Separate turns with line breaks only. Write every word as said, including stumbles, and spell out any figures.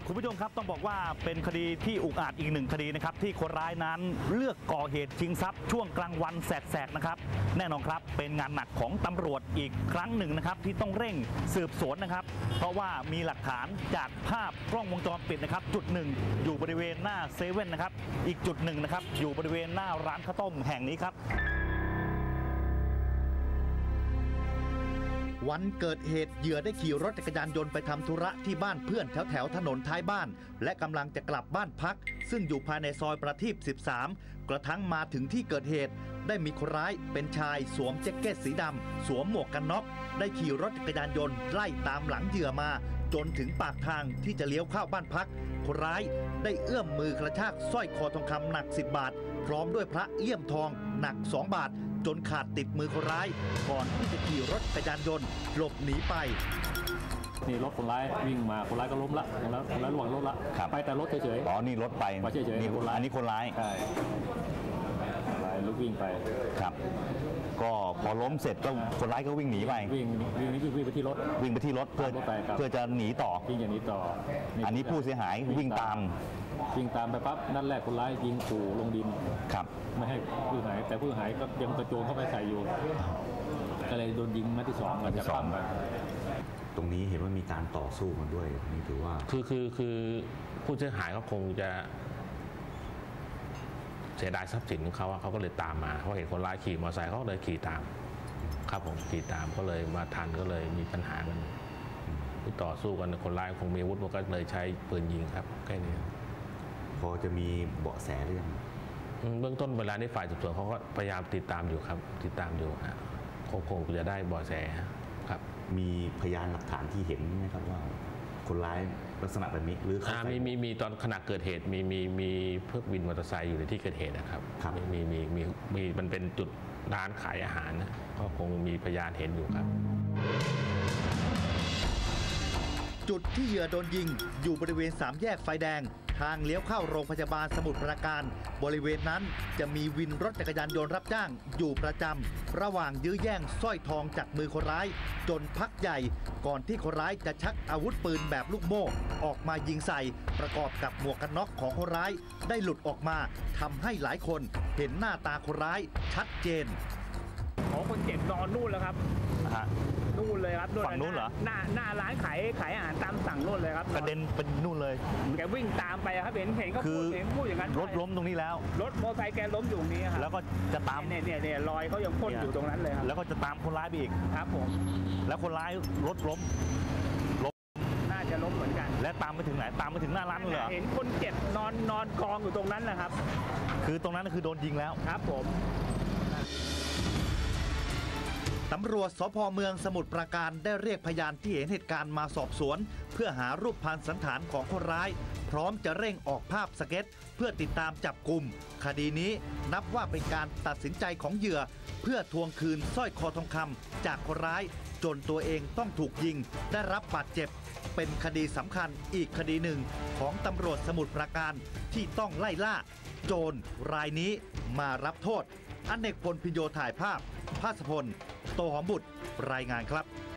คุณผู้ชมครับต้องบอกว่าเป็นคดีที่อุกอาจอีกหนึ่งคดีนะครับที่คนร้ายนั้นเลือกก่อเหตุชิงทรัพย์ช่วงกลางวันแสกๆนะครับแน่นอนครับเป็นงานหนักของตำรวจอีกครั้งหนึ่งนะครับที่ต้องเร่งสืบสวนนะครับเพราะว่ามีหลักฐานจากภาพกล้องวงจรปิดนะครับจุดหนึ่งอยู่บริเวณหน้าเซเว่นนะครับอีกจุดหนึ่งนะครับอยู่บริเวณหน้าร้านข้าวต้มแห่งนี้ครับ
วันเกิดเหตุเหยื่อได้ขี่รถจักรยานยนต์ไปทำธุระที่บ้านเพื่อนแถวแถวถนนท้ายบ้านและกำลังจะกลับบ้านพักซึ่งอยู่ภายในซอยประทีปสิบสามกระทั่งมาถึงที่เกิดเหตุได้มีคนร้ายเป็นชายสวมแจ็คเก็ตสีดำสวมหมวกกันน็อกได้ขี่รถจักรยานยนต์ไล่ตามหลังเหยื่อมาจนถึงปากทางที่จะเลี้ยวเข้าบ้านพักคนร้ายได้เอื้อมมือกระชากสร้อยคอทองคำหนักสิบบาทพร้อมด้วยพระเลี่ยมทองหนักสองบาทจนขาดติดมือคนร้ายก่อนที่จะขี่รถจักรยานยนต์หลบหนีไป
นี่รถคนร้ายวิ่งมาคนร้ายก็ล้มละคนร้ายคนร้ายระหว่างรถละไปแต่รถเฉยๆ
อ๋อนี่รถไป
เฉยๆ
นี่คนร้ายอันนี้คนร้าย
ใช่คนร้ายลุกวิ่งไป
ครับก็พอล้มเสร็จก็คนร้ายก็วิ่งหนีไป
วิ่งวิ่งวิ่งไปที่รถ
วิ่งไปที่รถเพื่อเพื่อจะหนีต่อ
วิ่งอย่างนี้ต่อ
อันนี้ผู้เสียหายวิ่งตาม
วิ่งตามไปปั๊บนั่นแรกคนร้ายยิงขู่ลงดิน
ครับ
ไม่ให้ผู้หายแต่ผู้หายก็ยังกระโจนเข้าไปใส่อยู่ก็เลยโดนยิงนัดที่สองกันจะปั้มไป
ตรงนี้เห็นว่ามีการต่อสู้กันด้วยนี่ถือว่า
คือคือคือผู้เสียหายเขาคงจะเสียดายทรัพย์สินของเขาเขาก็เลยตามมาเพราะเห็นคนร้ายขี่มอเตอร์ไซค์เขาเลยขี่ตามครับผมขี่ตามก็เลยมาทันก็เลยมีปัญหากันที่ต่อสู้กันคนร้ายคงมีอาวุธมันก็เลยใช้ปืนยิงครับแค่นี้
พอจะมีเบาะแสหรือยัง
เบื้องต้นเวลาในฝ่ายสืบสวนเขาก็พยายามติดตามอยู่ครับติดตามอยู่ครับคงจะได้เบาะแสครับ
มีพยานหลักฐานที่เห็นไหมครับว่าคนร้ายลักษณะแบบนี้หรือ
เขามีมีมีตอนขณะเกิดเหตุมีมีมีเพื่อวินมอเตอร์ไซค์อยู่ในที่เกิดเหตุนะครับมีมีมีมีมันเป็นจุดร้านขายอาหารนะก็คงมีพยานเห็นอยู่ครับ
จุดที่เหยื่อโดนยิงอยู่บริเวณสามแยกไฟแดงทางเลี้ยวเข้าโรงพยาบาลสมุทรปราการบริเวณนั้นจะมีวินรถจักรยานยนต์รับจ้างอยู่ประจำระหว่างยื้อแย่งสร้อยทองจากมือคนร้ายจนพักใหญ่ก่อนที่คนร้ายจะชักอาวุธปืนแบบลูกโม่ออกมายิงใส่ประกอบกับหมวกกันน็อกของคนร้ายได้หลุดออกมาทำให้หลายคนเห็นหน้าตาคนร้ายชัดเจน
ของคนเจ็บนอนนู่นแล้วครับนู่นเลยครับ
ฝั่งนู้นเหรอ
หน้าหน้าร้านขายขายอาหารตามสั่งนู่นเลยครับ
กระเด็นเป็นนู่นเลย
แกวิ่งตามไปครับเห็นเห็นก็พูดเห็นพูดอย่างนั้น
รถล้มตรงนี้แล้ว
รถมอเตอร์ไซค์แกล้มอยู่ตรงนี้ครับ
แล้วก็จะตาม
เนี่ยเนี่ยเนี่ยรอยเขายังพ่นอยู่ตรงนั้นเลยครับ
แล้วก็จะตามคนร้ายไปอีก
ครับผม
แล้วคนร้ายรถล้ม
ล้มน่าจะล้มเหมือนกัน
และตามไปถึงไหนตามไปถึงหน้าร้านเลย
เห็นคนเจ็บนอนนอนกองอยู่ตรงนั้นแหละครับ
คือตรงนั้นคือโดนยิงแล้ว
ครับผม
ตำรวจสภ.เมืองสมุทรปราการได้เรียกพยานที่เห็นเหตุการณ์มาสอบสวนเพื่อหารูปพรรณสันฐานของคนร้ายพร้อมจะเร่งออกภาพสเก็ตเพื่อติดตามจับกลุ่มคดีนี้นับว่าเป็นการตัดสินใจของเหยื่อเพื่อทวงคืนสร้อยคอทองคำจากคนร้ายจนตัวเองต้องถูกยิงได้รับบาดเจ็บเป็นคดีสำคัญอีกคดีหนึ่งของตำรวจสมุทรปราการที่ต้องไล่ล่าโจรรายนี้มารับโทษอเนกพลพิญโยถ่ายภาพภาสพลโตหอมบุตรรายงานครับ